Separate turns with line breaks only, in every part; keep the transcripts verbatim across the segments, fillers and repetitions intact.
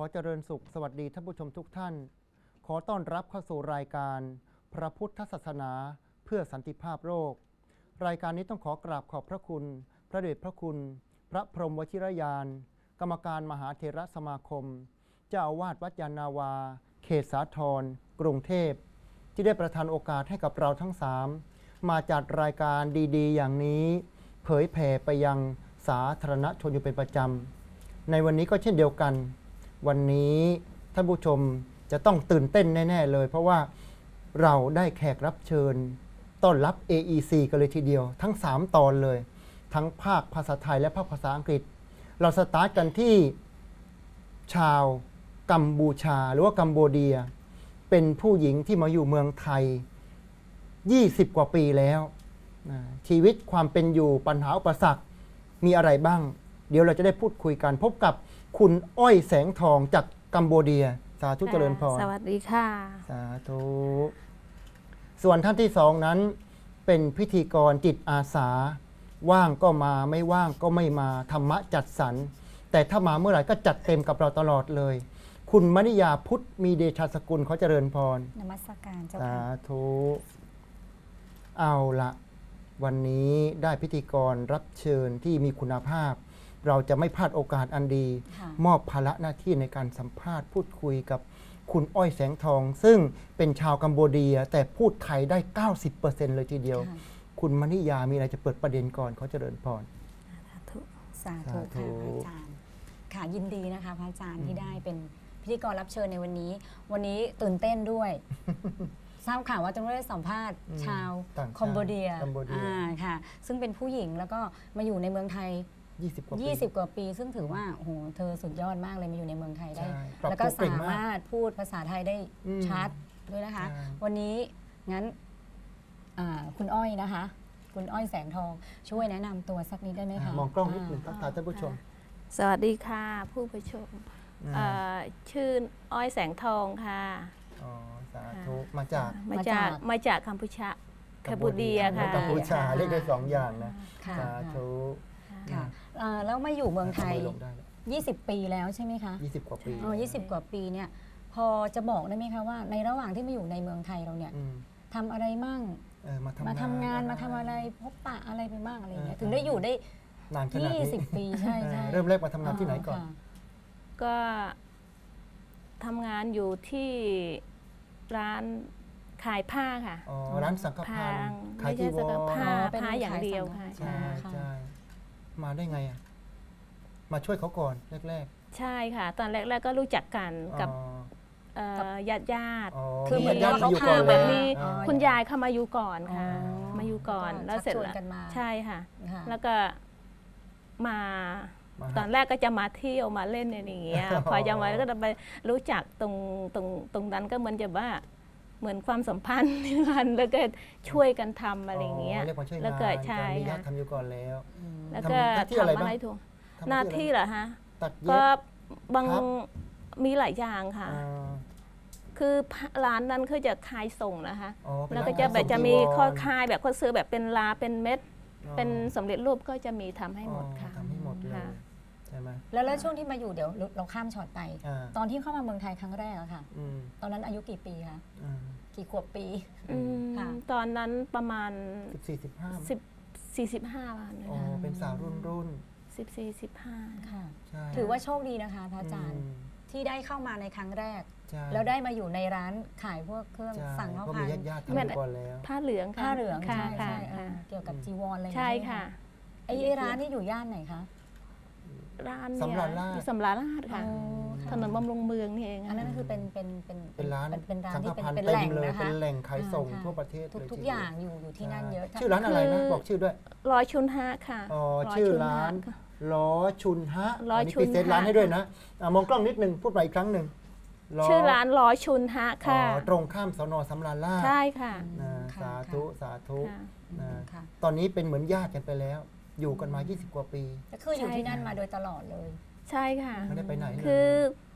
เจริญสุขสวัสดีท่านผู้ชมทุกท่านขอต้อนรับเข้าสู่รายการพระพุทธศาสนาเพื่อสันติภาพโลกรายการนี้ต้องขอกราบขอบพระคุณพระเดชพระคุณพระพรหมวชิรยานกรรมการมหาเถรสมาคมเจ้าอาวาสวัดยานนาวาเขตสาทรกรุงเทพที่ได้ประทานโอกาสให้กับเราทั้งสามมาจัดรายการดีๆอย่างนี้เผยแผ่ไปยังสาธารณชนอยู่เป็นประจำในวันนี้ก็เช่นเดียวกันวันนี้ท่านผู้ชมจะต้องตื่นเต้นแน่ๆเลยเพราะว่าเราได้แขกรับเชิญต้อนรับ เอ อี ซี กันเลยทีเดียวทั้งสามตอนเลยทั้งภาคภาษาไทยและภาคภาษาอังกฤษเราสตาร์ทกันที่ชาวกัมพูชาหรือว่ากัมโบเดียเป็นผู้หญิงที่มาอยู่เมืองไทยยี่สิบกว่าปีแล้วชีวิตความเป็นอยู่ปัญหาอุปสรรคมีอะไรบ้างเดี๋ยวเราจะได้พูดคุยกันพบกับคุณอ้อยแสงทองจากกัมโบเดียสาธุเจริญพร
สวัสดีค่ะ
สาธุส่วนท่านที่สองนั้นเป็นพิธีกรจิตอาสาว่างก็มาไม่ว่างก็ไม่มาธรรมะจัดสรรแต่ถ้ามาเมื่อไหร่ก็จัดเต็มกับเราตลอดเลยคุณมณิยาพุทธมีเดชสกุลเขาเจริญพร
นมัสการเจ้า
ค่ะ
สา
ธุเอาละวันนี้ได้พิธีกรรับเชิญที่มีคุณภาพเราจะไม่พลาดโอกาสอันดีมอบภาระหน้าที่ในการสัมภาษณ์พูดคุยกับคุณอ้อยแสงทองซึ่งเป็นชาวกัมพูเดียแต่พูดไทยได้ เก้าสิบเปอร์เซ็นต์ เลยทีเดียวคุณมณิยามีอะไรจะเปิดประเด็นก่อนเขาเจริญพร
สาธุค่ะพระอาจารย์ค่ะยินดีนะคะพระอาจารย์ที่ได้เป็นพิธีกรรับเชิญในวันนี้วันนี้ตื่นเต้นด้วยทราบข่าวว่าจะได้สัมภาษณ์ชาวกัมพูเดียค่ะซึ่งเป็นผู้หญิงแล้วก็มาอยู่ในเมืองไทยยี่สิบกว่าปีซึ่งถือว่าโอ้โหเธอสุดยอดมากเลยมาอยู่ในเมืองไทยได้แล้วก็สามารถพูดภาษาไทยได้ชัดด้วยนะคะวันนี้งั้นคุณอ้อยนะคะคุณอ้อยแสงทองช่วยแนะนำตัวสักนิดได้ไหมคะ
มองกล้องนิดหนึ่งทักทายท่านผู้ชม
สวัสดีค่ะผู้ผู้ชมชื่ออ้อยแสงทองค่ะ
อ๋อสาธุมาจาก
มาจากมาจากกัมพูชากัมพูเดียค่ะ
กัมพูชาเรียกได้สองอย่างนะสาธุ
ค่ะแล้วมาอยู่เมืองไทยยี่สิบปีแล้วใช่ไหมคะ
ยี่สิบกว่าปี
อ๋อยี่สิบกว่าปีเนี่ยพอจะบอกได้ไหมคะว่าในระหว่างที่มาอยู่ในเมืองไทยเราเนี่ยทำอะไรมั่งมาทำงานมาทำอะไรพบปะอะไรไปบ้างอะไรเงี้ยถึงได้อยู่ได้
นานขนาดนี้
ยี่สิบปีใช่ใช่
เริ่มแรกมาทำงานที่ไหนก่อน
ก็ทำงานอยู่ที่ร้านขายผ้าค่ะ
อ๋อร้านสังฆทาน
ขายจีวรผ้าผ้าอย่างเดียวค่ะ
ใช่ใช่มาได้ไงอ่ะมาช่วยเขาก่อนแรก
ๆใช่ค่ะตอนแรกๆก็รู้จักกันกับญาติญาติ
คือเหมือนญาติ
เขา
อยู่
ก่อนแบบนี้คุณยายเข้ามาอยู่ก่อนค่ะมาอยู่ก่อนแล้วเสร็จแล้วใช่ค่ะแล้วก็มาตอนแรกก็จะมาเที่ยวมาเล่นอย่างเงี้ยพอจะมาก็จะไปรู้จักตรงตรงตรงนั้นก็เหมือนจะว่าเหมือนความสัมพันธ์กันแล้วก็ช่วยกันทำอะไรเงี้ย
แล้ว
ก็ใช่
ค่ะทำอยู่ก่อนแล้ว
แล้วก็ทำอะไรถูกหน้าที่เหรอฮะก็บางมีหลายอย่างค่ะคือร้านนั้นคือจะขายส่งนะคะแล้วก็จะแบบจะมีข้อคายแบบข้อซื้อแบบเป็นลาเป็นเม็ดเป็นสำเร็จรูปก็จะมีทำให้หมดค่ะ
ทำให้หมดเลยใช่ไหม
แล้วแล้วช่วงที่มาอยู่เดี๋ยวเราข้ามช็อตไปตอนที่เข้ามาเมืองไทยครั้งแรกอะค่ะตอนนั้นอายุกี่ปีคะกี่ขวบปี
ตอนนั้นประมาณ
สิบสี่สิบห้า
สิบสี่สิบห้าวัน
อ๋อเป็นสาวรุ่นรุ่น
สิบสี่สิบห้า
ค่ะถือว่าโชคดีนะคะพระอาจารย์ที่ได้เข้ามาในครั้งแรกแล้วได้มาอยู่ในร้านขายพวกเครื่องสั่งข้าวผัด
ผ้าเหลือง
ผ้าเหลืองใช่ใช่เกี่ยวกับจีวรอะไร
ใช่ค่ะ
ไอ้ร้านนี่อยู่ย่านไหนคะ
ร้านเนี่ยอยู่สำราญราชค่ะถนนบำรุงเมืองนี่เอง
อันนั้นคือเป็นเป็น
เป็นเป็นร้าน
เป็นร้านที่
เป็น
แหล่งนะคะ
เป็นแหล่งขายส่งทั่วประเทศ
ทุกอย่างอยู่อยู่ที่นั่นเยอะ
ชื่อร้านอะไรนะบอกชื่อด้วย
ร้อยชุนฮะค่ะ
อ๋อชื่อร้านล้อชุนฮะอันนี้พิเศษร้านให้ด้วยนะมองกล้องนิดนึงพูดใหม่อีกครั้งหนึ่ง
ชื่อร้านล้อชุนฮะค่ะ
ตรงข้ามสน.สำราญราช
ใช่ค่ะ
สาธุสาธุตอนนี้เป็นเหมือนญาติกันไปแล้วอยู่กันมายี่สิบกว่าปี
ก็คืออยู่ที่นั่นมาโดยตลอดเลย
ใช่ค่ะ
ไม่ได้ไปไหน
คือ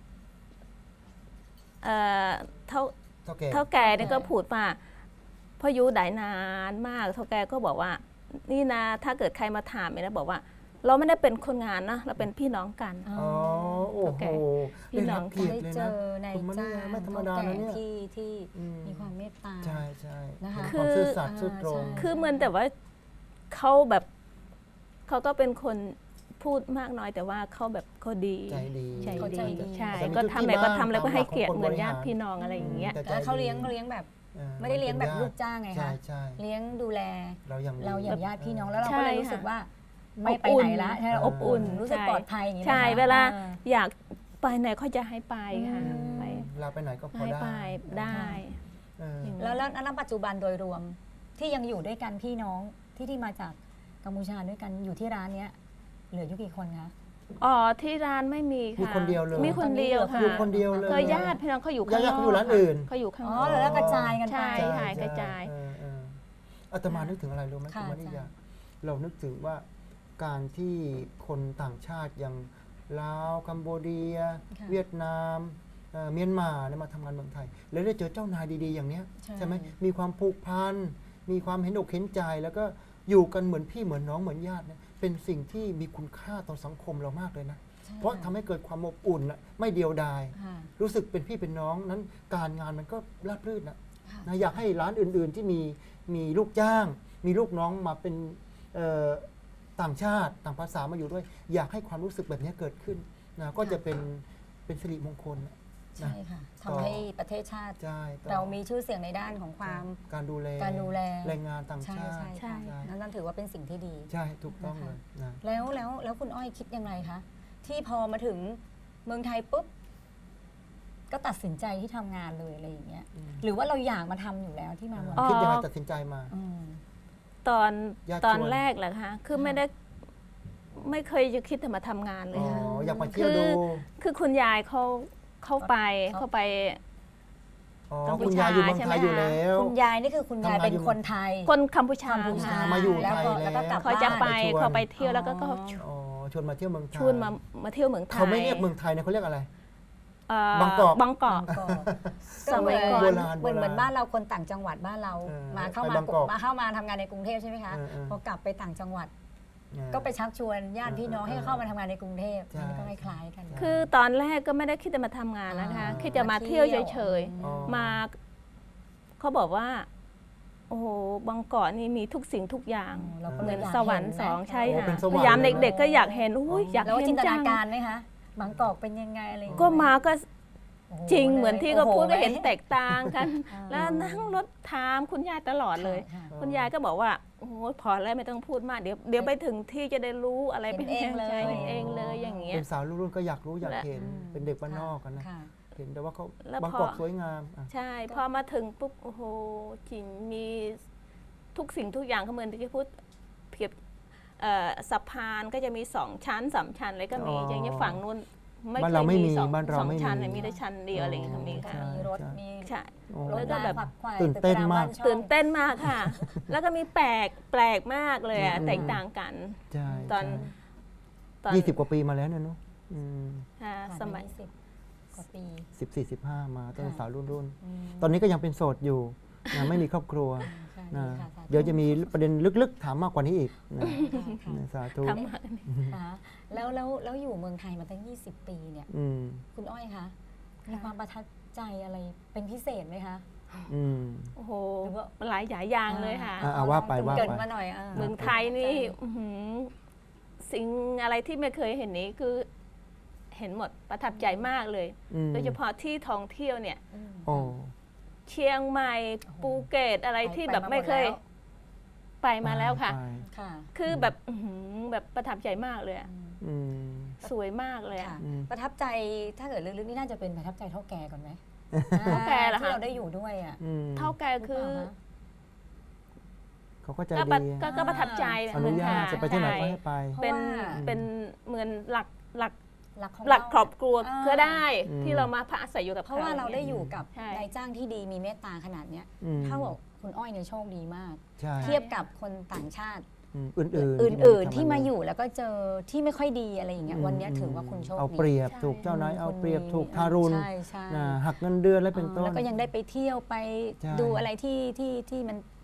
เท่าเท่าแก่เนี่ยก็พูดว่าพออยู่ได้นานมากเท่าแก่ก็บอกว่านี่นะถ้าเกิดใครมาถามเนี่ยนะบอกว่าเราไม่ได้เป็นคนงานนะเราเป็นพี่น้องกัน
อ๋อโอ้โห
พี่น้อง
ได้รับเกียร
ได้
ติเลย
เจ
นะ
อใน
คุณมณี
จ้าง
ไม่ธรรมดานะเนี่ย
ที่ที่
อืม
มีความเมตตา
ใช่ใช่
นะคะ
มีความซื่อสัตย์
คือ
ซื่อตรง
อ่าใช่
คือเหมือนแต่ว่าเขาแบบเขาก็เป็นคนพูดมากน้อยแต่ว่าเขาแบบเขาดี
ใจดี
ใจ
เขาใจ
ดี
ดี
ใช่
แต่มี
ก็ทำอะไรก็ทำ
ที่
แล้วก็ให้เกียรติ
ตามหลักของคน
เหมือนญาติ
บริหาร
พี่น้องอะไรอย่างเงี้ย
แต่ใจ
แล้วเขา
ดี
เลี้ยงเขาเลี้ยงแบบ
ออ
ไม่ได้เลี้ยงแบบ
นป็น
ลูกจ้างไง
ใช่
คะ
ใช่
เลี้ยงดูแล
เราอย่างดี
เราอย่างญาติพี่น้องแล้วเรา
ใช่
ก็เลยรู้สึก
ค่ะ
ว่าไม่ไป
อบอุ่
ไหน
น
ละใช่
เออ
อบอุ่นรู้สึก
ใช่
ปลอดภัยอย่างนี้
ใช่
นะคะ
เวลา
ออ
อยากไปไหนเขาจะให้ไปค่ะ
อืม
ไป
เราไปไหนก็พอ
ให้
ได้
ไปได้
เออ
อย่าง
แล้วแล้วแล้วปัจจุบันโดยรวมที่ยังอยู่ด้วยกันพี่น้องที่ที่มาจากกัมพูชาด้วยกันอยู่ที่ร้านเนี้ยเหลืออยู่กี่คนคะ
อ๋อที่ร้านไม่มี
มี
ค่ะ
คนเดียวเลย
มีคนเดียวค่ะ
อยู่คนเดียวเลย
ก็ญาติพี่น้องเขาอยู่ข้างน
ญาติ
อก
เขาอยู่ร้านอื่น
เขาอยู่ข้าง
อ๋
น
อ
อก
แล้วกระจายกันไป
ใช่
ใช่
หายกระจาย
เออเอออาตมานึกถึงอะไรรู้ไหม
ค่ะ
คุณมณี
อาจารย์
ยาเรานึกถึงว่าการที่คนต่างชาติอย่างลาวกัมพูเดีย
ค่ะ
เวียดนามเอ่อเมียนมาเนี่ยมาทำงานเมืองไทย แล้วได้เจอเจ้านายดีๆ อย่างเนี้ย
ใช่
ใช่ไหมมีความผูกพันมีความเห็นอกเห็นใจ แล้วก็อยู่กันเหมือนพี่เหมือนน้องเหมือนญาติเนี่ยเป็นสิ่งที่มีคุณค่าต่อสังคมเรามากเลยนะ
ใช่
เพราะทำให้เกิดความอบอุ่นน่ะไม่เดียวดาย
ค่ะ
รู้สึกเป็นพี่เป็นน้องนั้นการงานมันก็ราบรื่นนะ
ค่ะ
นะอยากให้ร้านอื่น ๆ ที่มีมีลูกจ้าง มีลูกน้องมาเป็นเอ่อต่างชาติต่างภาษามาอยู่ด้วย อยากให้ความรู้สึกแบบนี้เกิดขึ้นนะก็จะเป็นเป็นสิริมงคลนะ
ใช่ค่ะ
ต่อ
ทำให้ประเทศชาติ
ใช่ต่อ
เรามีชื่อเสียงในด้านของความ
การดูแล
การดูแล
แรงงานต่าง
ใช่
ชาติ
ใช่
ใช่
ค่ะนั่นนั่นถือว่าเป็นสิ่งที่ดี
ใช่ถูกต้องเลยนะ
แล้วแล้วแล้วคุณอ้อยคิดยังไงคะที่พอมาถึงเมืองไทยปุ๊บก็ตัดสินใจที่ทำงานเลยอะไรอย่างเงี้ย
อืม
หรือว่าเราอยากมาทำอยู่แล้วที่มาเมือง
อ๋อ
คิดยังไงตัดสินใจมา
ม
ตอน
ญาติ
ตอน
ชวน
แรกเหรอคะคือไม่ได้ไม่เคยจะคิดจะมาทำงานเล
อ๋
ย
อ
ค่ะ
อยากมาเที่ยวดู
คือคุณยายเขาเข้าไป
เขา
เข้าไป
อ๋อ
กัมพู
คุณ
ชาย
ยายอยู่เมือง
ใช่
ไท
ไหม
ยอยู่
คะ
แล้ว
คุณยายนี่คือคุณยาย
ทำงาน
เป็น
อยู่
คนไทย
คนกัมพูชา
กัมพูชา
ค่ะ
มาอยู่
แล้วก็
ไทย
แล้วก็กลับ
เขาจะไป
บ้าน
เขาไปเที่ยวแล้วก็ก็
อ๋อ
อ๋อชวนมาเที่ยวเมืองไทย
ชวนมามาเที่ยวเมืองไทย
เขาไม่เรียกเมืองไทยนะเขาเรียกอะไร
เอ่อบ
างกอก
บางกอก
ก็
สมัยก่อน
เหมือน
โบราณ
เหมือนเหมือน
โบราณ
บ้านเราคนต่างจังหวัดบ้านเรา
เออ
มาเข้า
ไป
มา
บางกอก
มาเข้ามาทำงานในกรุงเทพใช่ไหมคะ
เออเออ
พอกลับไปต่างจังหวัด
เออ
ก็ไปชักชวนญาติพี่น้อง
เออ
ให้เข้ามาทำงานในกรุงเทพ
ใช่
อันนี้ก็คล้ายๆกัน
คือตอนแรกก็ไม่ได้คิดจะมาทำงานนะคะ
อ่า
คิดจะมาเที่ยวเฉย
อ๋อ
ๆมาเขาบอกว่า โอ้โหบางกอกนี่มีทุกสิ่งทุกอย่าง
เราก็
เห
เล
มือย น
ยาก
สวรรค์
เห็น
สอง
นะ
ใช่
โอ้
ค่ะ
เป็นสวรรค์
พยายาม
เลยนะ
เด็กๆก็อยากเห็นอุ้ยอยาก
แล้ว
เห็
จิ
น
นต
จั
นาง การไหมคะบางกอกเป็นยังไงอะไรอย่ง
ก็
เงี้ย
มาก็
โอ้โ
จริงเหมือนที่เขา
โโ
พูดก็เห็นแตกต่าง กัน
อ่า
แล้วนั่งรถถามคุณยายตลอดเลย
ค่ะ
คุณยายก็บอกว่าโอ้โหพอแล้วไม่ต้องพูดมากเดี๋ยวเดี๋ยวไปถึงที่จะได้รู้อะไร
เห็น
เป็น
เองเลย
ใช่เห็นเองเลยอย่างเงี้ย
เป็นสาวรุ่นๆก็อยากรู้อยาก
และ
เห็น
อืม
เป็นเด็กบ้านนอกกันนะ
ค่ะ
เห็นแต่ว่าเขา
แล้ว
บาง
พอ
กอกสวยงามอ่ะ
ใช่พอมาถึงปุ๊บโอ้โหจริงมีทุกสิ่งทุกอย่างเขาเหมือนที่จะพูดเพียบเอ่อสะพานก็จะมีสองชั้นสามชั้นอะไรก็มี
อ๋อ
อย่างเงี้ยฝั่งนู้นไม่
บ้าน
เค
เรา
ย
ไม่
มี
มี
สอง
บ้านเรา
สอง
ไม่
ชั้น
มี
น่ะมีแต่ชั้นเดียวอะไรอย่างเงี้ยก็มีค่ะ
ใช่
มีรถ
ใช่
มี
ใช่
โอ้
รถ
แล้วก็
มา
แบบ
ฝักไขว่
ตื่นเต้นมาก
ตึรช่อง
ตื่นเต้นมากค่ะ แล้วก็มีแปลกแปลกมากเลยอะ
อืม
แตกต่างกัน
ใช่
ตอน ตอน
ยี่สิบกว่าปีมาแล้วเนี่ยเนาะ
ค่ะ
ผ่าน
สมัย
สิบกว่าปี
สิบสี่สิบห้ามาตั้งแต่
ค่ะ
สาวรุ่นรุ่นๆ
อืม
ตอนนี้ก็ยังเป็นโสดอยู่นะไม่มีครอบครัว
ค่ะ
นะ
ดีค่ะสาธุ
เดี๋ยวจะมีประเด็นลึกๆ ถามมากกว่านี้อีกนะ
ค่ะ
นะสาธุ
ทำมา
ค่ะแล้วแล้วแล้วอยู่เมืองไทยมาตั้งยี่สิบปีเนี่ย
อืม
คุณอ้อยคะมีความประทับใจอะไรเป็นพิเศษไหมคะ
อืม
โอ้โห
หรือว่า
หลายหลายอย่างเลยค่ะ
อ่า อ่ว่าไปว่าไป
เกรินมาหน่อยอ่า
เมืองไทยนี่อื้อหือสิ่งอะไรที่ไม่เคยเห็นนี้คือเห็นหมดประทับใจมากเลย
อืม
โดยเฉพาะที่ท่องเที่ยวเนี่ย
อืม
โอ้
เชียงใหม่ภูเก็ตอะไรที่แบบไม่เคยไปมาแล้วค่ะ
ไป
ค่ะ
คือแบบอื้อหือแบบประทับใจมากเลยอะ
อืม
สวยมากเลยอะ
ค่ะ
อืม
ประทับใจถ้าเกิดลึกๆนี่น่าจะเป็นประทับใจเท่าแก่ก่อนไหม
เท่าแก่เหรอคะ
ที่เราได้อยู่ด้วยอ่ะ
อืม
เท่าแก่คือ
หรืเปล่าะ
เขาก็ใจ
ก็ประ
ดี
ก็ก็ประทับใจ
อนุญาต
ค่
จะไปที่ไหนก็
ใช่
ให้ไป
เป็น
เพราะว่า
เป็นเหมือนหลักหลัก
หลักของ
หลัก
เา
ครอบครัว
อ่า
ก็ได้
อืม
ที่เรามาพักอาศัยอยู่กับ
เพราะว่าเราได้อยู่กับ
ใช่
นายจ้างที่ดีมีเมตตาขนาดเนี้ย
อืม
เท่ากับคุณอ้อยเนี่ยโชคดีมาก
ใช่
เทียบกับคนต่างชาติ
อืมอื่นๆ
อื่น ๆ ที่มา
ทำงน
อยู่แล้วก็เจอที่ไม่ค่อยดีอะไรอย่างเงี้ยวันเนี้ยถือว่าคุณโชค
เอา
ดี
เปรียบ
ใช่
ถูกเจ้านายเอา
คุณ
เปรียบ
มี
ถูกทารุณ
ใช่ใช่
นะหักเงินเดือนอะไรเป็นต้น
แล้วก็ยังได้ไปเที่ยวไป
ใช่
ดูอะไรที่ที่ที่มัน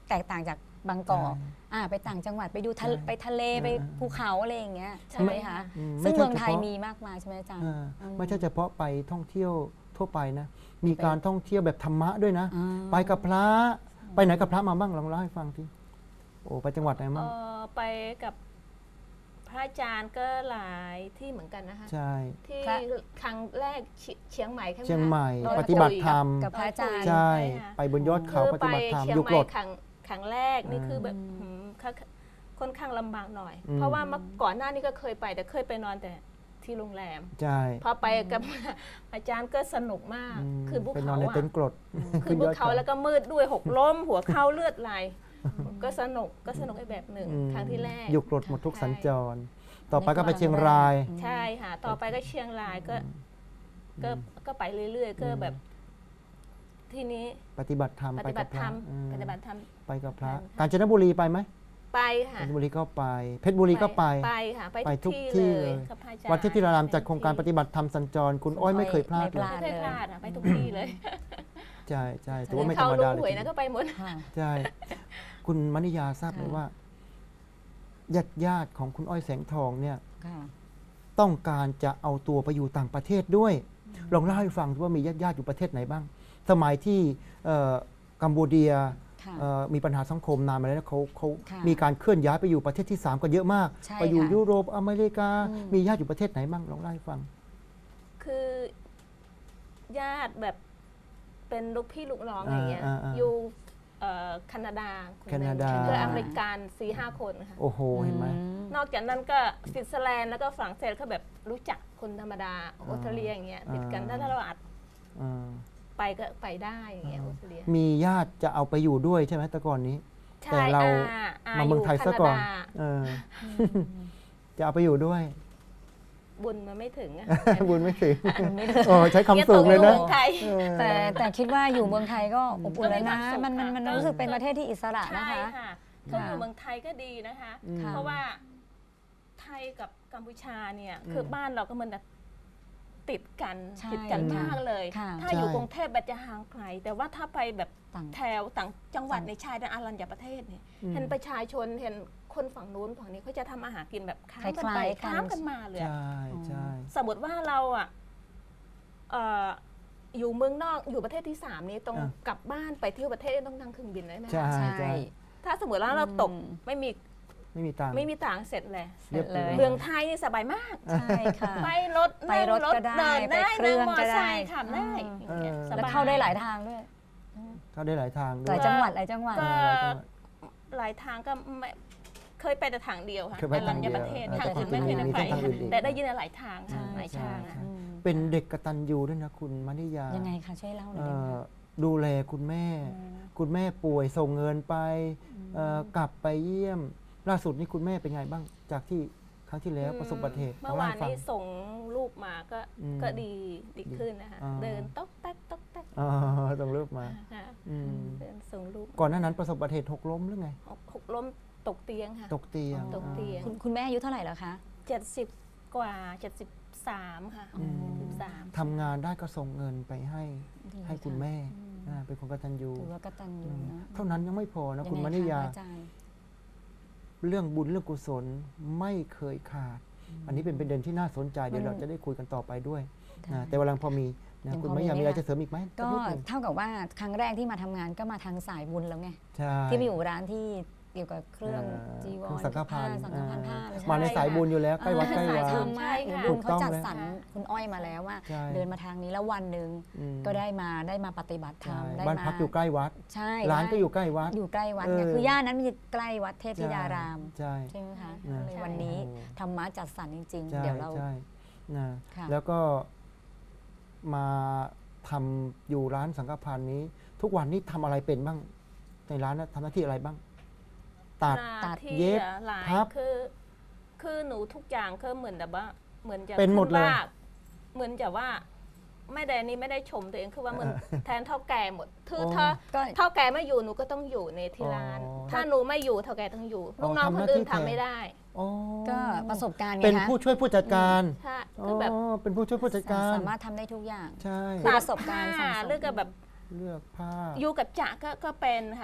แตกต่างจากบางกอก
ใช่
อ่าไปต่างจังหวัดไปดูทะเล
ใช่
ไปทะเล
เออ
ไปภูเขาอะไรอย่างเงี้ยใช่
ใช่
ไหมคะ
อืม
ซึ่ง
ไม่ใช่
เมืองไทย
เฉพาะ
มีมากมายใช่ไหมอาจารย์
อ่า
อืม
ไม่ใช่เฉพาะไปท่องเที่ยวทั่วไปนะ มีการท่องเที่ยวแบบธรรมะด้วยนะ
อ่า
ไปกับพระไปไหนกับพระมาบ้างลองเล่าให้ฟังทีโอ้ไปจังหวัดไหน
เอ
บ้าง
อไปกับพระอาจารย์ก็หลายที่เหมือนกันนะคะ
ใช่
ที่
พระ
ครั้งแรกเชีเชียงใหม่ใช่ไหมคะ
เชียงใหม่
ดอย
ปฏิบัติธรรม
กับพระอาจารย์
ใช่
ค่ะ
ไปบนยอดเขา
คือ
ป
ไป
ฏิบัติธรรม
เชียง
อยู่
ให
ก
ม่
รด
ครั้งครั้งแรกนี่คือแบบ
อืม
หืมค่าค่อนข้างลำบากหน่อย
อืม
เพราะว่าเมื่อก่อนหน้านี้ก็เคยไปแต่เคยไปนอนแต่ที่โรงแรม
ใช่
พอไปกับ อาจารย์ก็สนุกมาก
อืม
คือภู
ไปนอ
เขา
นใน
อะ
เต็นท์กรด
คือภูเขาแล้วก็มืดด้วยหกล้ม หัวเข้าเลือดไหลก็สนุกก็สนุกอีกแบบหนึ่ง
อืม
ครั้งที่แรก
อยู่กรดหมดทุก
ใช่
สัญจร ต่อไปก็ไปเชียงราย
ใช่ค่ะ ต่อไปก็เชียงรายก็ ก็ก็ไปเรื่อยๆ ก็แบบ ทีนี้
ปฏิบัติธรรม
ป
ไป
ฏิบั
กับ
ติ
พ
ธร
ระ
รม
อืม
ปฏิบัติธรรม
ไปกับพระ
ค่ะ
กาญจนบุรีไปไหม
ไปค่ะ
กาญจนบุรีก็ไป เพชรบุรีก็ไป
ไปค่ะ ไป
ไปทุ
ทุ
ก
ก
ที่
ที่
เล
เลย ยกับพระอาจารย์
วัดที่ที่รารามจัดโครงการปฏิบัติธรรมสัญจร คุณอ้อยไม่เคยพลาด
ไม่
เล
พลาด
ย
ไม่เคยพลาดอะไปทุกที่เลย
ใช่ใช่ถือว่าไม่ธร
เขา
รม
ลุ
ดาง เล
หวย
ย
นะก็ไปหมด
ค่ะ
ใช่ คุณมณิยาทราบไหม
ค่ะ
ว่าญาติญาติของคุณอ้อยแสงทองเนี่ย
ค่ะ
ต้องการจะเอาตัวไปอยู่ต่างประเทศด้วย ลองเล่าให้ฟังว่ามีญาติญาติอยู่ประเทศไหนบ้าง สมัยที่เอ่อกัมพูเดีย
ค่ะ
เอ่อมีปัญหาสังคมนานมาแล้วนะเขาเขา
ค่ะ
มีการเคลื่อนย้ายไปอยู่ประเทศที่สามกันเยอะมาก
ใช่
ไปอยู่
ค่ะ
ยุโรปอเมริกา
อืม
มีญาติอยู่ประเทศไหนบ้างลองเล่าให้ฟัง
คือญาติแบบเป็นลูกพี่ลูกน้องอย่างเงี้ย
อ่าอ่าอ่า
อยู่เอ่อแคนาดาคห
แค
นึ่ง
นาดา
คืออเมริกันสี่ห้าคนค่ะ
โอ้โหเห็นไหม
อืม
นอกจากนั้นก็สวิตเซอร์แลนด์แล้วก็ฝรั่งเศสเขาแบบรู้จักคนธรรมดาออสเตรเลียอย่างเงี้ยติดกัน
อ่า
ถ้าเราอาจ
อ่า
ไปก็ไปได้อย่างเงี้ยออสเตรเลีย
มีญาติจะเอาไปอยู่ด้วยใช่ไหมแต่ก่อนนี้
ใช่
แต่เรา
อ่อ่
มาเมืองไทยซะก่อน
แคาดา
เออจะเอาไปอยู่ด้วย
บุญมันไม่ถึงอะ
บุญไม่ถึง
มันไม่ถึง
โอ้ใช้คำสูงเลยนะ
เมืองไทย
เออ
แต่แต่คิดว่าอยู่เมืองไทยก็อบอุ่นแล้วนะ
ก็มีความสุข
มันมันมัน
ค่ะ
รู้สึกเป็นประเทศที่อิสระนะ
ใช่
คะ
ค่ะเขาอยู่เมืองไทยก็ดีนะคะ
อืม
ค่ะ
เพราะว่าไทยกับกัมพูชาเนี่ยคือบ้านเราก็เหมันแบบติดกัน
ใช่
ติดกัน
ค่ะ
มากเลย
ค่ะ
ถ้าอยู่
ใช่
กรุงเทพแบบจะห่างไกล แต่ว่าถ้าไปแบบ
ต่าง
แถวต่างจังหวัดในชายแดนอารัญญประเทศเนี่ย
อืม
เห็นประชาชนเห็นคนฝั่งนู้นฝั่งนี้เขาจะทำอาหารกินแบบข้ามกัน
คล้า
ไป
ยๆกัน
ข้ามกันมาเลยอะ
ใช่ใช่
สมมติว่าเราอ่ะเอ่ออยู่เมืองนอกอยู่ประเทศที่สามนี้ต้อง
อ่ะ
กลับบ้านไปเที่ยวประเทศต้องนั่งเครื่องบินได้ไหม
ใช่
ใช่
ใช่
ถ้าสมมติว่าเราตก
อืม
ไม่มี
ไม่มีตังค์
ไม่มีต่างค์เสร็จเลย
เรียบ
เลย
ร้อย
เมืองไทยนี่สบายมาก
ใช่ค่ะ
ไปรถ
ไปรถ
นั่ง
ก็ได้
เดิน
ไป
ได้
เครื่
นั่
อง ง
มอ
ก็
ไซ
ได้
ค์ขับได้
เออ
อย่างงี้ยส
แล้ว
บาย
เข้าได้หลายทางด้วย
เข้าได้หลายทางด้
ห
ว
ลาย ยจังหวัดหลายจังหวัด
ก็
เออหลายจังหวัด
หลายทางก็ไม่เคยไปแต่ทางเดียวค่ะ
เคยไป
อารั
ทาง
ญ
เดี
ญ
ยว
ประเทศ
เออ
ทางอื่นไม่เคยได้
มี
ไป
ทางอื่นอีก
แต่ได้ยินหลายทางค่ะ
ใช่
หลายทาง
ใช่
ค่ะ
อืม
เป็นเด็กกตัญญูด้วยนะคุณมณิยา
ยังไงคะช่วยเล่าหน่
เอ่
อยได้ไหม
อดูแลคุณแม่ คุณแม่ป่วยส่งเงินไปเอ่อกลับไปเยี่ยม ล่าสุดนี่คุณแม่เป็นไงบ้าง จากที่ครั้งที่แล้วประสบอุบัติเหตุ
เมื่อวาน
ล่ให้
นี้
ฟัง
ส่งลูกมาก็
อืม
ก็ดีดีขึ้นนะคะ
อ่า
เดินต๊อกแต๊กต๊อกแต๊ก
อ๋อต้องเลิกมา
ค่ะ
อืม
เดินส่งลูก
ก่อนหน้านั้นประสบอุบัติเหตุหกล้มหรือไง
หกหกล้มตกเตียงค่ะ
ตกเตียง
ตกเตียง
คุณคุณแม่อายุเท่าไหร่แล้วคะ
เจ็ดสิบกว่าเจ็ดสิบสามค่ะ
อืม
สิบสาม
ทำงานได้ก็ส่งเงินไปให้
ดี
ให้คุณ
ค่ะ
แม่
อืม
อ่าเป็นคนกตัญญู
ถือว่ากตัญญูนะ
เท่านั้นยังไม่พอนะคุณ
ยัง
ม
ไง
ณิยา
คะอาจารย์
เรื่องบุญเรื่องกุศลไม่เคยขาด อันนี้เป็นประเด็นที่น่าสนใจเดี๋ยว
มัน
เราจะได้คุยกันต่อไปด้วย
ค่ะ
นะแต่เวลาพอมีนะ
ยัง
คุณ
พอ
มณิยา
มี
มีอะไร
ไหมคะ
จะเสริมอีกไหม
ก็
สันิดหนึ่ง
เท่ากับว่าครั้งแรกที่มาทำงานก็มาทางสายบุญแล้วไง
ใช่
ที่ไปอยู่ร้านที่เกี่ยวกับเครื่อง
เอ่อ
จีว
เครื่
ร
องสังฆพันธ์
ผ้าสังฆพันธ์ผ้า
อ่า
ใช่
มาในสายบุญอยู่แล้วใกล้วัดใกล้
สายว
า
ธรรมะ
ใช่ค่ะ
บุญเขา
ถูกต้อง
จัด
เลย
สรรคุณอ้อยมาแล้วว่า
ใช่
เดินมาทางนี้แล้ววันหนึ่ง
อืม
ก็ได้มาได้มาปฏิบัติธรร
ใช่
มได้
บ้าน
มา
พักอยู่ใกล้วัด
ใช่
ร้านก็
ได้
อยู่ใกล้วัด
อยู่ใกล้วัด
เออ
ไงคือย่านนั้นมันจะใกล้วัดเทพธิดาราม
ใช่
ใช่ไหมคะ
นะ
เลยวันนี้
โอ้
ธรรมะจัดสรรจริง
ใช่
ๆ เดี๋ยวเรา
ใช่นะ
ค่ะ
แล้วก็มาทำอยู่ร้านสังฆพันธ์นี้ ทุกวันนี้ทำอะไรเป็นบ้าง ในร้านนะทำหน้าที่อะไรบ้าง ตัด
หน้าที่
เย็บ
หลาย
พับ
คือ คือหนูทุกอย่างก็เหมือนแบบว่า เหมือนจะ
เป็นหมดเลย
ขึ้ว่าเหมือนจะว่าไม่ได้นี่ไม่ได้ชมตัวเองคือว่าเหมือนแทนเท่าแก่หมดคือ
โอ้
ถ้า
ก็
เท่าแก่ไม่อยู่หนูก็ต้องอยู่ในที่ร้าน
อ๋อ
ถ้าหนูไม่อยู่เท่าแก่ต้องอยู่
อ๋อ
ลูกน้อง
ทำ
ค
ห
น
น้า
อื่น
ที่แทน
ทำไม่ได้
อ๋อ
ก็ประสบการณ์ไง
เป็น
คะ
ผู้ช่วยผู้จัดการ
ใช่
อ๋อ
คือแบบ
เป็นผู้ช่วยผู้จัดการ
สามารถทำได้ทุกอย่าง
ใช่
คือประสบการณ์
ผ้
สั่งสม
เรื่องกับแบบ
เลือกผ้า
อยู่กับจ่าก็ก็เป็นค่ะ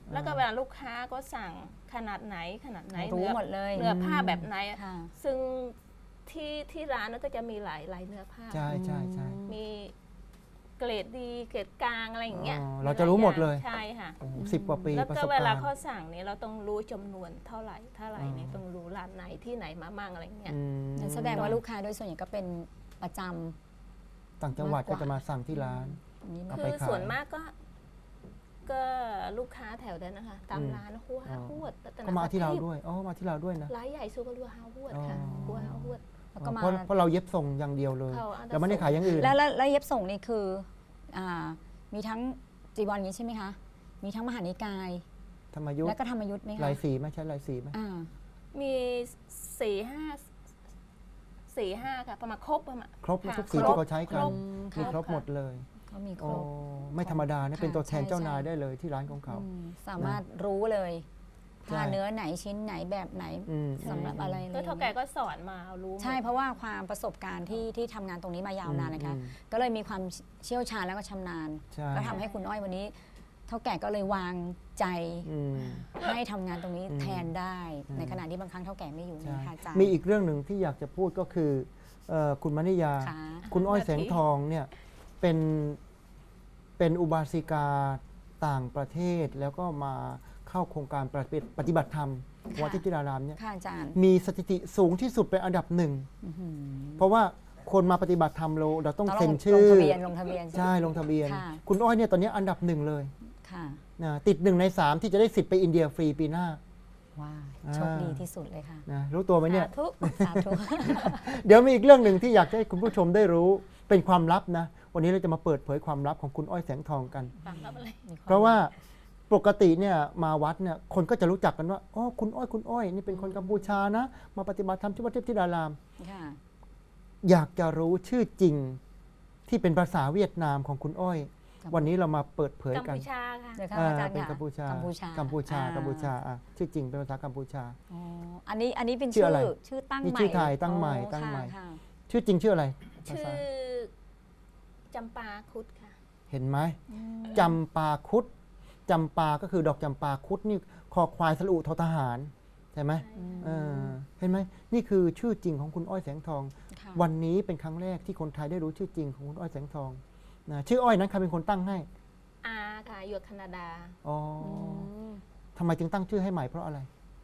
แล้วก็เวลาลูกค้าก็สั่งขนาดไหนขนาดไหน
รู้
เนื้อ
หมดเลย
เนื้อผ้าแบบไหน
ค่ะ
ซึ่งที่ที่ร้านนั้นก็จะมีหลายหลายเนื้อผ้า
ใช่ใช่ใช่
มีเกรดดีเกรดกลางอะไรอย่างเงี้ย
อ๋อเราจะรู้หมดเลย
ใช่ค่ะ
โอ้โหสิบกว่าปี
แล้ว
ประ
ก็
สบ
เวลา
การณ์
เขาสั่งเนี่ยเราต้องรู้จำนวนเท่าไหร่เท่าไหร่เนี่ย
อ๋อ
ต้องรู้ร้านไหนที่ไหนมามั่งอะไรอย่างเงี้ย
อืม
นั่นแสดงว่าลูกค้าโดยส่วนใหญ่ก็เป็นประจำ
ต่างจังหวัด
มากก
ก็
ว่า
จะมาสั่งที่ร้าน
อันนี้
เอา
มา
ไป
คือ
ขาย
ส่วนมากก็ ก็ลูกค้าแถวนั้นนะคะ ตาม
อืม
ร้านหัว
อ๋อ
หวดรัตน
ก็มาที่เรา
ประทีป
ด้วยอ๋อมาที่เราด้วยนะ
ร้านใหญ่ซูก็รัวฮาหวดค่ะ
อ๋อ
หัวฮาหวด
แล้วก็มา
เพราะเพราะเราเย็บส่งอย่างเดียวเลย
เขาอันดับ
เราไม่ได้ขายอย่างอื่น
แล้วแล้วแล้วเย็บส่งนี่คืออ่ามีทั้งจีวรอย่างนี้ใช่ไหมคะ มีทั้งมหานิกาย
ธรรมยุท
และ
ธ์
ก็ธรรมยุทธ์ไหมคะ
ลายสีไหมใช่ลายสีไหม
อ่า
มีสี่ห้าสี่ห้าค่ะ ประมาณครบประมาณ
ครบ
ค่ะ
ทุกสี
ครบ
ที่เขาใช้กัน
ครบ
มี
ค่ะ
ครบหมดเลย
เขามีค
โอ้
รบ
ไม่ธรรมดานะ
ค่ะ
เป็นตัวแทนเจ้า
ใช่
นาย
ใช่
ได้เลยที่ร้านของเขา
อืมสามารถรู้เลย
ใช่
ผ้าเนื้อไหนชิ้นไหนแบบไหน
อืม
สำหรับอะไรเล
แล้ว
ย
เท่าแก่ก็สอนมารู้หมด
ใช่เพราะว่าความประสบการณ์ที่ที่ทำงานตรงนี้มายาวนานนะคะ
อืม
ก็เลยมีความเชี่ยวชาญแล้วก็ชำนาญ
ใช่
ก็ทำให้คุณอ้อยวันนี้ เท่าแก่ก็เลยวางใจ
อืม
ให้ทำงานตรงนี้
อืม
แทนได้
อืม
ในขณะที่บางครั้งเท่าแก่ไม่อยู่
ใช่
นะคะอาจารย์
มีอีกเรื่องหนึ่งที่อยากจะพูดก็คือเอ่อคุณมณิยา
ค่ะ
คุณอ้อยแสงทองเนี่ยเป็นเป็นอุบาสิกาต่างประเทศแล้วก็มาเข้าโครงการปฏิบัติปฏิบัติธรรม
ค่ะ
วัดทิติรารามเนี่ย
ค่ะอาจารย์
มีสถิติสูงที่สุดเป็นอันดับหนึ่ง
อื้อหือ
เพราะว่าคนมาปฏิบัติธรรมเราเราต้อง
ต้องล
เซ็
ง
น
ล
ชื่
ง
อ
ทะเบียนลงทะเบียน
ใช่ลงทะเบียน
ค่ะ
คุณอ้อยเนี่ยตอนนี้อันดับหนึ่งเลย
ค่ะ
นะติดหนึ่งในสามที่จะได้สิทธิ์ไปอินเดียฟรีปีหน้า
ว้าว
อ่า
โชคดีที่สุดเลยค่ะ
นะรู้ตัวไหมเนี่ย
สาธุ
สาธุ
เดี๋ยวมีอีกเรื่องหนึ่งที่อยากให้คุณผู้ชมได้รู้เป็นความลับนะ วันนี้เราจะมาเปิดเผยความลับของคุณอ้อยแสงทองกัน
ฟังแล้วอะไร
เพราะว่าปกติเนี่ยมาวัดเนี่ยคนก็จะรู้จักกันว่าอ๋อคุณอ้อยคุณอ้อยนี่เป็นคนกัมพูชานะ มาปฏิบัติธรรมที่วัดเทพธิดาราม
ค่ะ
อยากจะรู้ชื่อจริงที่เป็นภาษาเวียดนามของคุณอ้อย
กัมพู
วันนี้เรามาเปิดเผย
กัม
กัน
พูชาค่ะ
เดี๋ยวค่ะ
อ่า
อาจารย์
เป็น
ค่ะ
กัมพูชา
กัมพูชา
กัมพูชา
อ่
กัมพูชาอ่ะชื่อจริงเป็นภาษากัมพูชา
อ๋ออันนี้อันนี้เป็น
ชื่
ชื่
อ
อ
อะไร
ชื่อตั้ง
นี่
ใหม่
ชื่อไทยตั้งใหม่
อ๋อ
ตั้งใหม่
ค่ะ
ชื่อจริงชื่ออะไรภา
ชื่อ
ษา
จำปาคุดค่ะ
เห็นไหม
อืม
จำปาคุดจำปาก็คือดอกจำปาคุดนี่คอควายสระอุทอทหารใช่ไหม เออเห็นไหมนี่คือชื่อจริงของคุณอ้อยแสงทอง
ค่ะ
วันนี้เป็นครั้งแรกที่คนไทยได้รู้ชื่อจริงของคุณอ้อยแสงทองนะชื่ออ้อยนั้นใครเป็นคนตั้งให้
อาค่ะอยู่แคนาดา
อ๋อ
อื
อ
ม
ทำไมจึงตั้งชื่อให้ใหม่เพราะอะไร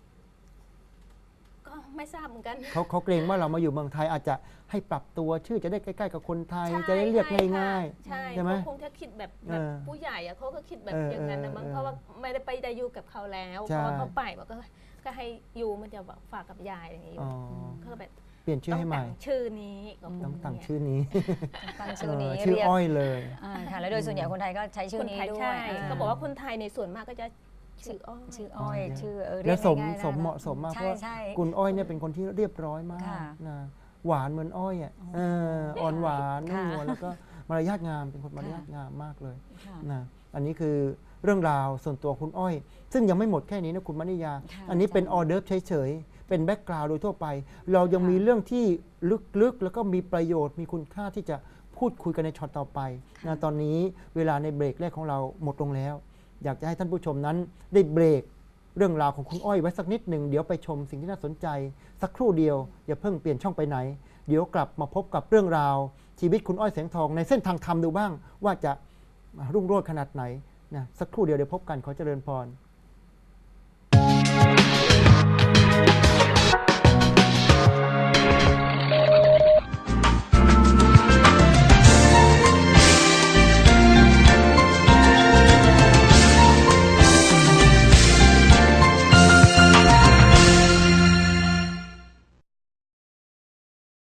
ก็ไม่ทราบเหมือนกัน
เขาเขาเกรงว่าเรามาอยู่เมืองไทยอาจจะให้ปรับตัวชื่อจะได้ใกล้ๆกับคนไทย
ใช่
จะได้เรียก
ใช่ค่ะ
ง่าย
ใช่
ใช่ไหม
เขาคงจะคิดแบบแบบ
เออ
ผู้ใหญ่อะเขาก็คิดแบบ
เออ
อย่างนั้นนะมั้ง
เออ
เพราะว่าไม่ได้ไปได้อยู่กับเขาแล้ว
ใช่
เพราะว่าเขาไปบอกก็ก็ให้อยู่มันจะแบบฝากกับยายอย่างนี้
ๆอ๋อ
เขาก็แบบ
เปลี่ยนชื่อให้ใหม่
ต้องแต่งชื่อนี้ก็พูด
ต้องตั้ง
เนี่ย
ชื่อนี้
ตั้งชื่อนี้
เออชื่อ
เรียก
อ้อยเลย
อ่าค่ะ แล้วโดยส่วนใหญ่คนไทยก็ใช้ชื่
ค
อน นี้
ไทย
ด้ว
ใช่
ยอ่า
ก็บอกว่าคนไทยในส่วนมากก็จะชื่ออ้อย
ชื่ออ้อย
อ๋อ
ชื่อเออเรี
แล้
ยว ก
สม
ง่ายๆ
สม
ได้
เหมาะสมมากเพ
ใช่
ราะว่า
ใช่
คุณอ้อยเนี่ยเป็นคนที่เรียบร้อยมาก
ค่ะ
นะหวานเหมือนอ้อยอ่ะเอออ่อนหวานนุ่ม
ค่ะ
นวลแล้วก็มารยาทงามเป็นคนมารยาทงามมากเลย
ค่ะ
นะอันนี้คือเรื่องราวส่วนตัวคุณอ้อย ซึ่งยังไม่หมดแค่นี้นะคุณมณิยา
ค่ะ
อันนี้เป็น
อาจารย์
ออเดิร์ฟเฉยๆ เป็นแบ็กกราวด์โดยทั่วไป เรายัง
ค่ะ
มีเรื่องที่ลึกๆ แล้วก็มีประโยชน์มีคุณค่าที่จะพูดคุยกันในช็อตต่อไปนะตอนนี้เวลาในเบรกแรกของเราหมดลงแล้ว อยากจะให้ท่านผู้ชมนั้นได้เบรกเรื่องราวของคุณอ้อยไว้สักนิดหนึ่งเดี๋ยวไปชมสิ่งที่น่าสนใจ สักครู่เดียวอย่าเพิ่งเปลี่ยนช่องไปไหน เดี๋ยวกลับมาพบกับเรื่องราว ชีวิตคุณอ้อยแสงทองในเส้นทางธรรมดูบ้าง ว่าจะรุ่งโรจน์ขนาดไหนนะสักครู่เดียวเดี๋ยวพบกันขอเจริญพร